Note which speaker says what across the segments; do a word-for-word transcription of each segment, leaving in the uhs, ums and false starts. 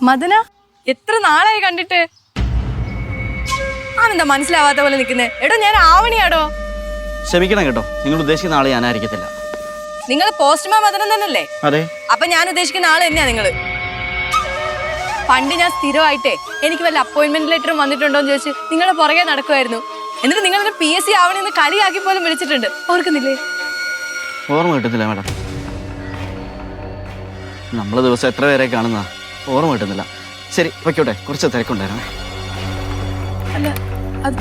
Speaker 1: മദന എത്ര നാളായി കണ്ടിട്ട്. ആണെന്താ മനസ്സിലാവാത്ത പോലെ നിൽക്കുന്നേ? എടോ ഞാൻ ആവണിയാടോ.
Speaker 2: ക്ഷമിക്കണം കേട്ടോ, നിങ്ങൾ ഉദ്ദേശിക്കുന്ന ആളെ ഞാനായിരിക്കത്തില്ല.
Speaker 1: നിങ്ങൾ പോസ്റ്റ്മാൻ മദനം തന്നെയല്ലേ?
Speaker 2: അതെ.
Speaker 1: അപ്പൊ ഞാൻ ഉദ്ദേശിക്കുന്ന ആള് തന്നെയാ നിങ്ങള്. പണ്ട് ഞാൻ സ്ഥിരമായിട്ടേ എനിക്ക് വല്ല അപ്പോയിന്റ്മെന്റ് ലെറ്ററും വന്നിട്ടുണ്ടോ എന്ന് ചോദിച്ച് നിങ്ങളുടെ പുറകെ നടക്കുമായിരുന്നു. എന്നിട്ട് നിങ്ങൾ എന്നെ പി എസ് സി ആവണെന്ന് കളിയാക്കി പോലും വിളിച്ചിട്ടുണ്ട്. ഓർക്കുന്നില്ലേ?
Speaker 2: ഓർമ്മ കിട്ടുന്നില്ല മാഡം. നമ്മള് ദിവസം എത്ര പേരെ കാണുന്ന ഓർമ്മ കിട്ടുന്നില്ല. ശരി വയ്ക്കോട്ടെ, കുറച്ച് തിരക്കുണ്ടായിരുന്നു.
Speaker 1: അല്ല അത്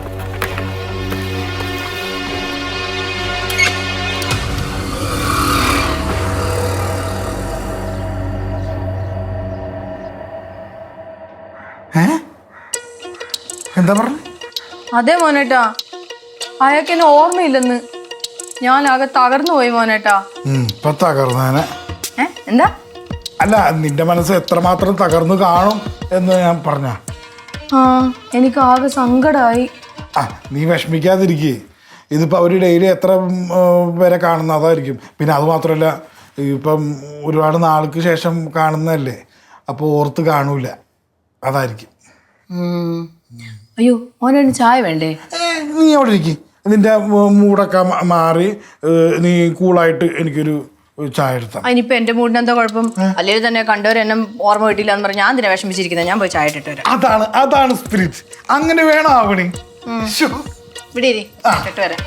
Speaker 3: എന്താ പറഞ്ഞു?
Speaker 1: അതെ മോനേട്ടാ, അയാൾക്ക് എന്നെ ഓർമ്മയില്ലെന്ന്. ഞാൻ ആകെ തകർന്നു പോയി മോനേട്ടാ.
Speaker 3: ഇപ്പൊ തകർന്നേനെ.
Speaker 1: ഏ എന്താ?
Speaker 3: അല്ല, നിന്റെ മനസ്സ് എത്രമാത്രം തകർന്നു കാണും എന്ന് ഞാൻ പറഞ്ഞ.
Speaker 1: ആ എനിക്ക് ആകെ സങ്കടമായി.
Speaker 3: ആ നീ വിഷമിക്കാതിരിക്കേ. ഇതിപ്പോൾ അവർ ഡെയിലി എത്ര പേരെ കാണുന്ന അതായിരിക്കും. പിന്നെ അതുമാത്രമല്ല, ഇപ്പം ഒരുപാട് നാൾക്ക് ശേഷം കാണുന്നതല്ലേ, അപ്പോൾ ഓർത്ത് കാണൂല, അതായിരിക്കും.
Speaker 1: അയ്യോ മോനെ ചായ വേണ്ടേ?
Speaker 3: നീ അവിടെ ഇരിക്കും, നിന്റെ മൂടൊക്കെ മാറി നീ കൂളായിട്ട് എനിക്കൊരു ചായ എടുത്താൽ.
Speaker 1: അതിനിപ്പോ എന്റെ മൂടിന് എന്താ കുഴപ്പം? അല്ലെങ്കിൽ തന്നെ കണ്ടവരെന്നെ ഓർമ്മ കിട്ടില്ല എന്ന് പറഞ്ഞാൽ ഞാൻ തന്നെ വിഷമിച്ചിരിക്കുന്നത്. ഞാൻ പോയി ചായ ഇട്ടിട്ട് വരാം.
Speaker 3: അതാണ് അതാണ് സ്പിരിറ്റ്. അങ്ങനെ വേണം ആവണി.
Speaker 1: ഇവിടെ ഇട്ടിട്ട് വരാം.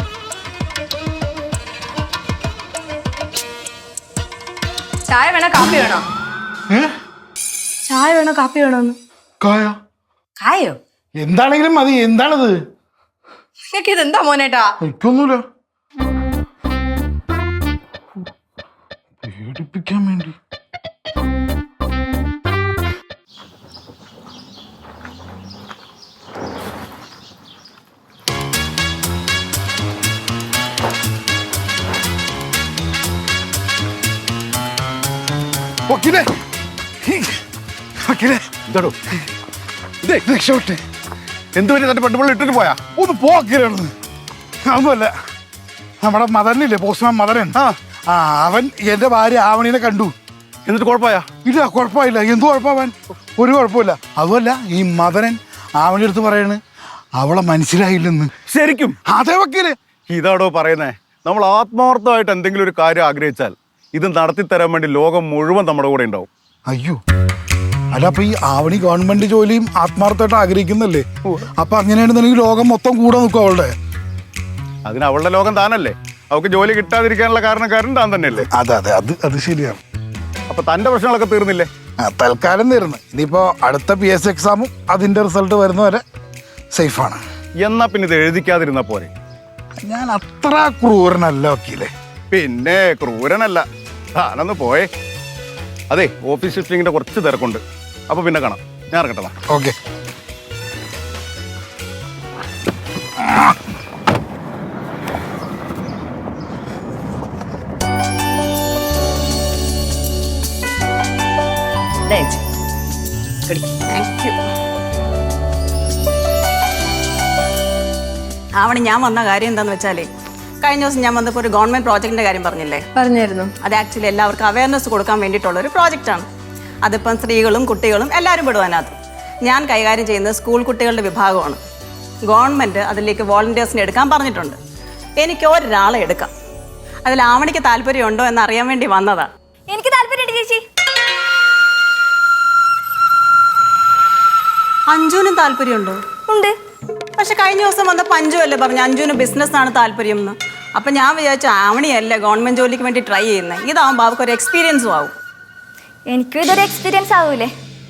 Speaker 1: ചായ വേണോ കാപ്പി വേണോ? ചായ വേണോ കാപ്പി വേണോന്ന്?
Speaker 3: കായ
Speaker 1: കായോ?
Speaker 3: എന്താണെങ്കിലും മതി. എന്താണത്?
Speaker 1: നിങ്ങൾക്ക് ഇതെന്താ മോനേട്ടാ?
Speaker 3: എനിക്കൊന്നുമില്ല, പേടിപ്പിക്കാൻ വേണ്ടി. വക്കീലേ, വക്കീലേ,
Speaker 4: എന്താടോ
Speaker 3: ഇതേ രക്ഷപ്പെട്ടെ.
Speaker 4: എന്തുപറ്റി തന്റെ പെണ്ണുപിള്ള ഇട്ടിട്ട് പോയാ?
Speaker 3: ഒന്ന് പോക്കിലാണ്. അതൊന്നുമല്ല, നമ്മുടെ മദനില്ലേ, പോസ്റ്റ്മാൻ മദനൻ.
Speaker 4: ആ
Speaker 3: ആ അവൻ എന്റെ ഭാര്യ ആവണീനെ കണ്ടു.
Speaker 4: എന്നിട്ട് കുഴപ്പമായാ?
Speaker 3: ഇല്ല, കുഴപ്പമില്ല. എന്തു കുഴപ്പമാവാൻ? ഒരു കുഴപ്പമില്ല. അതുമല്ല, ഈ മദനൻ ആവണി അടുത്ത് പറയണ് അവളെ മനസ്സിലായില്ലെന്ന്.
Speaker 4: ശരിക്കും?
Speaker 3: അതേ വക്കീല്.
Speaker 4: ഇതാടോ പറയുന്നേ, നമ്മൾ ആത്മാർത്ഥമായിട്ട് എന്തെങ്കിലും ഒരു കാര്യം ആഗ്രഹിച്ചാൽ ഇത് നടത്തി തരാൻ വേണ്ടി ലോകം മുഴുവൻ നമ്മുടെ കൂടെ ഉണ്ടാവും.
Speaker 3: അയ്യോ, അല്ല അപ്പൊ ഈ ആവണി ഗവൺമെന്റ് ജോലിയും ആത്മാർത്ഥമായിട്ട് ആഗ്രഹിക്കുന്നല്ലേ? അപ്പൊ അങ്ങനെയാണെന്നുണ്ടെങ്കിൽ ലോകം മൊത്തം കൂടെ നിൽക്കും അവളുടെ.
Speaker 4: അതിന് അവളുടെ ലോകം താനല്ലേ. അവൾക്ക് ജോലി കിട്ടാതിരിക്കാനുള്ള കാരണക്കാരൻ താൻ തന്നെയല്ലേ?
Speaker 3: അതെ അതെ, അത് അത് ശരിയാണ്.
Speaker 4: അപ്പൊ തന്റെ പ്രശ്നങ്ങളൊക്കെ തീർന്നില്ലേ?
Speaker 3: തൽക്കാലം തീർന്ന്. ഇനിയിപ്പോ അടുത്ത പി എസ് സി എക്സാമും അതിന്റെ റിസൾട്ട് വരുന്നവരെ സേഫാണ്.
Speaker 4: എന്നാ പിന്നെ ഇത് എഴുതിക്കാതിരുന്ന പോരെ?
Speaker 3: ഞാൻ അത്ര ക്രൂരനല്ല വക്കീലെ.
Speaker 4: പിന്നെ ക്രൂരനല്ല. താനൊന്ന് പോയേ. അതെ, ഓഫീസ് ഷിഫ്റ്റിങ്ങിന്റെ കുറച്ച് തിരക്കുണ്ട്. അപ്പൊ പിന്നെ കാണാം. ഞാൻ ഇറങ്ങട്ടെ.
Speaker 3: ഓക്കെ.
Speaker 5: ആവണി, ഞാൻ വന്ന കാര്യം എന്താണെന്ന് വെച്ചാലേ, കഴിഞ്ഞ ദിവസം ഞാൻ വന്നപ്പോൾ ഒരു ഗവൺമെൻറ് പ്രോജക്റ്റിൻ്റെ കാര്യം പറഞ്ഞില്ലേ?
Speaker 1: പറഞ്ഞായിരുന്നു.
Speaker 5: അത് ആക്ച്വലി എല്ലാവർക്കും അവയർനെസ് കൊടുക്കാൻ വേണ്ടിയിട്ടുള്ളൊരു പ്രോജക്റ്റാണ്. അതിപ്പം സ്ത്രീകളും കുട്ടികളും എല്ലാവരും പെടും അതിനകത്ത്. ഞാൻ കൈകാര്യം ചെയ്യുന്നത് സ്കൂൾ കുട്ടികളുടെ വിഭാഗമാണ്. ഗവൺമെൻറ് അതിലേക്ക് വോളണ്ടിയേഴ്സിനെ എടുക്കാൻ പറഞ്ഞിട്ടുണ്ട്. എനിക്ക് ഒരാളെ എടുക്കാം. അതിൽ ആവണിക്ക് താല്പര്യമുണ്ടോ എന്ന് അറിയാൻ വേണ്ടി വന്നതാണ്.
Speaker 6: എനിക്ക് താല്പര്യമുണ്ട് ചേച്ചി.
Speaker 5: അഞ്ജുവിനും താല്പര്യമുണ്ടോ?
Speaker 6: ഉണ്ട്.
Speaker 5: പക്ഷെ കഴിഞ്ഞ ദിവസം വന്നപ്പോൾ അഞ്ജു അല്ലേ പറഞ്ഞു അഞ്ജുവിന് ബിസിനസ്സാണ് താല്പര്യം എന്ന്. അപ്പം ഞാൻ വിചാരിച്ചു ആവണിയല്ലേ ഗവൺമെൻറ് ജോലിക്ക് വേണ്ടി ട്രൈ ചെയ്യുന്നത്. ഇതാവുമ്പോൾ അവർക്ക് ഒരു എക്സ്പീരിയൻസും ആവും.
Speaker 6: എനിക്കും ഇതൊരു എക്സ്പീരിയൻസ് ആവൂലേ?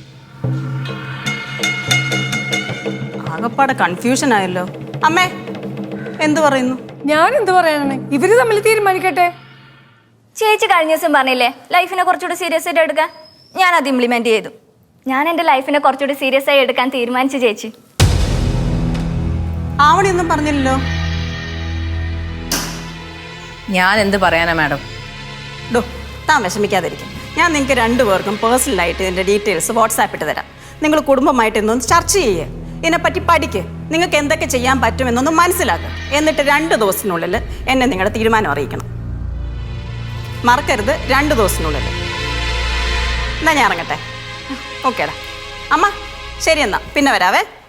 Speaker 5: ആകപ്പാടെ കൺഫ്യൂഷൻ ആയല്ലോ. അമ്മേ എന്തു പറയുന്നു?
Speaker 1: ഞാൻ എന്ത് പറയാനാണ്? ഇവര് തമ്മിൽ തീരുമാനിക്കട്ടെ.
Speaker 6: ചേച്ചി കഴിഞ്ഞ ദിവസം പറഞ്ഞില്ലേ ലൈഫിനെ കുറച്ചുകൂടി സീരിയസ് ആയിട്ട് എടുക്കാൻ? ഞാൻ അത് ഇംപ്ലിമെന്റ് ചെയ്തു. ഞാൻ എൻ്റെ ലൈഫിനെ കുറച്ചുകൂടി സീരിയസ് ആയി എടുക്കാൻ തീരുമാനിച്ചു ചേച്ചി.
Speaker 5: ആവണിയൊന്നും പറഞ്ഞില്ലല്ലോ.
Speaker 1: ഞാൻ എന്ത് പറയാനാ മാഡം?
Speaker 5: ഡോ, താൻ വിഷമിക്കാതിരിക്കും. ഞാൻ നിങ്ങൾക്ക് രണ്ടുപേർക്കും പേഴ്സണലായിട്ട് ഇതിൻ്റെ ഡീറ്റെയിൽസ് വാട്സാപ്പ് ഇട്ട് തരാം. നിങ്ങൾ കുടുംബമായിട്ട് ഇന്നൊന്ന് ചർച്ച ചെയ്യുക. ഇതിനെപ്പറ്റി പഠിക്കുക. നിങ്ങൾക്ക് എന്തൊക്കെ ചെയ്യാൻ പറ്റുമെന്നൊന്ന് മനസ്സിലാക്കുക. എന്നിട്ട് രണ്ട് ദിവസത്തിനുള്ളിൽ എന്നെ നിങ്ങളുടെ തീരുമാനം അറിയിക്കണം. മറക്കരുത്, രണ്ട് ദിവസത്തിനുള്ളിൽ. എന്നാ ഞാൻ ഇറങ്ങട്ടെ. ഓക്കേടാ അമ്മ ശരി എന്നാ പിന്നെ വരാവേ.